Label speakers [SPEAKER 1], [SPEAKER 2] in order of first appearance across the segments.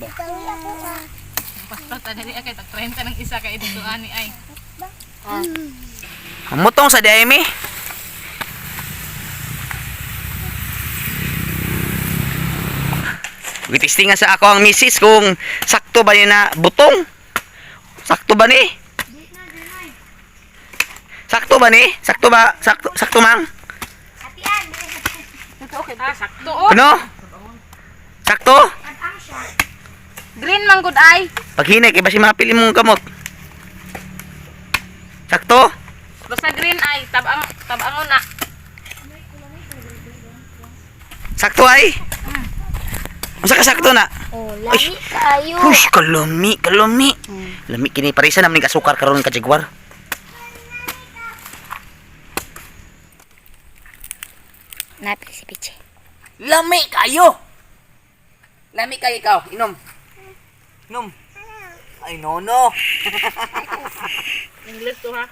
[SPEAKER 1] Basta tadali kay tag 30 ng isa kay dito ani ay.
[SPEAKER 2] Mutong sa diay mi. Gitistingan sa ako ang misis kung sakto ba ni na butong. Sakto ba ni? Sakto ba ni? Sakto ba? Sakto mang?
[SPEAKER 1] Sakto oh.
[SPEAKER 2] Ano? Sakto?
[SPEAKER 1] Green man gud ay.
[SPEAKER 2] Paghinay kay basi mapili mong kamot. Sakto?
[SPEAKER 1] Basta green ay tabang na.
[SPEAKER 2] Sakto ay? Unsa ka sakto na?
[SPEAKER 3] Oh, lami kayo.
[SPEAKER 2] Hush, kalumi. Lami kini parisa naman ka sukar karon ka Jaguar.
[SPEAKER 3] Napili si Piche.
[SPEAKER 2] Lami kayo. Lami kayo ikaw, inom. Inom. Ay no.
[SPEAKER 1] English to ha.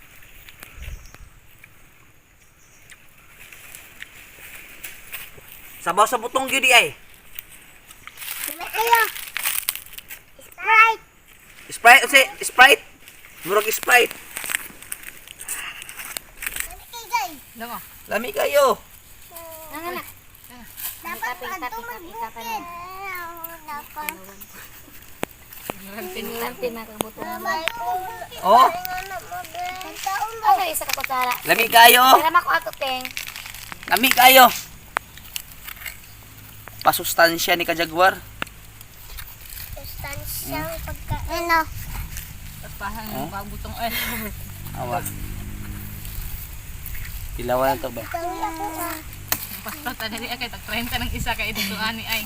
[SPEAKER 2] Sabaw sa butong gyud ay.
[SPEAKER 3] Lami kayo. Sprite.
[SPEAKER 2] Sprite, Sprite. Murag Sprite.
[SPEAKER 3] Lami kayo, guys.
[SPEAKER 1] Lango.
[SPEAKER 2] Lami kayo.
[SPEAKER 3] Nanganak. Dapat ito magbukid. Dapat. Nilantin makabutong.
[SPEAKER 2] Oh,
[SPEAKER 3] Ano isa ka kutsara?
[SPEAKER 2] lami kayo.
[SPEAKER 3] Alam ako ato, Teng.
[SPEAKER 2] Lami kayo. Pasustansya ni ka Jaguar.
[SPEAKER 3] Sustansyang pagkain. Ano?
[SPEAKER 1] Pahang pagbutong ay.
[SPEAKER 2] Awa. Ilawan to ba?
[SPEAKER 1] Basta tadali kay tag 30 ng isa kay dito ani ay.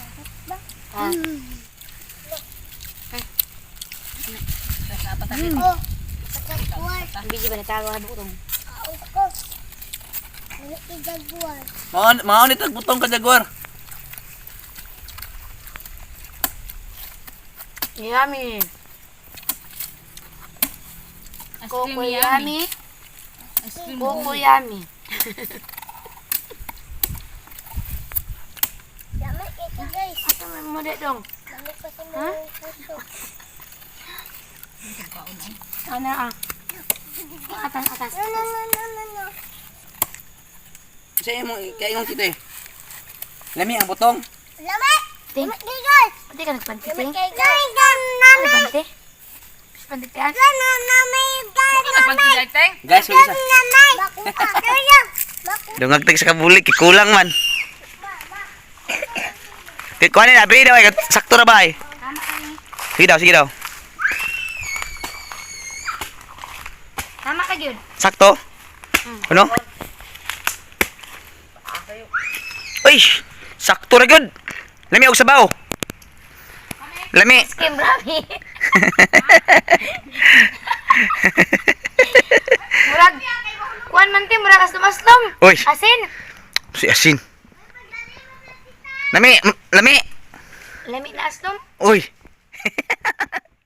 [SPEAKER 3] Oh. Ang biji ba natago ha butong?
[SPEAKER 2] Mao ni tagbutong ka Jaguar.
[SPEAKER 3] Yummy. Coco yummy. Coco yummy. Yummy ito guys. Ato mo dito dong. Ha? Ano ah? Atas. No.
[SPEAKER 2] Sa imo kay imong kita eh. Lami ang butong.
[SPEAKER 3] Lami! Ting! Guys! Pati ka nagpanti, Ting? Ano panti? Panti ka?
[SPEAKER 1] Nagpantijay teng.
[SPEAKER 2] Guys, may isa. Dungag tag sa kabulik, kulang man. Kuha na, bili daw, sakto na ba eh? Sige daw.
[SPEAKER 3] Tama ka, Jun.
[SPEAKER 2] Sakto? Ano? Uy! Sakto na good! Lami og sabaw! Lami!
[SPEAKER 3] Skim Rabi. Murag. Kuan man, Ting. Murag astom-astom.
[SPEAKER 2] Uy!
[SPEAKER 3] Asin.
[SPEAKER 2] Si Asin! Lami!
[SPEAKER 3] Lami na astom.
[SPEAKER 2] Uy!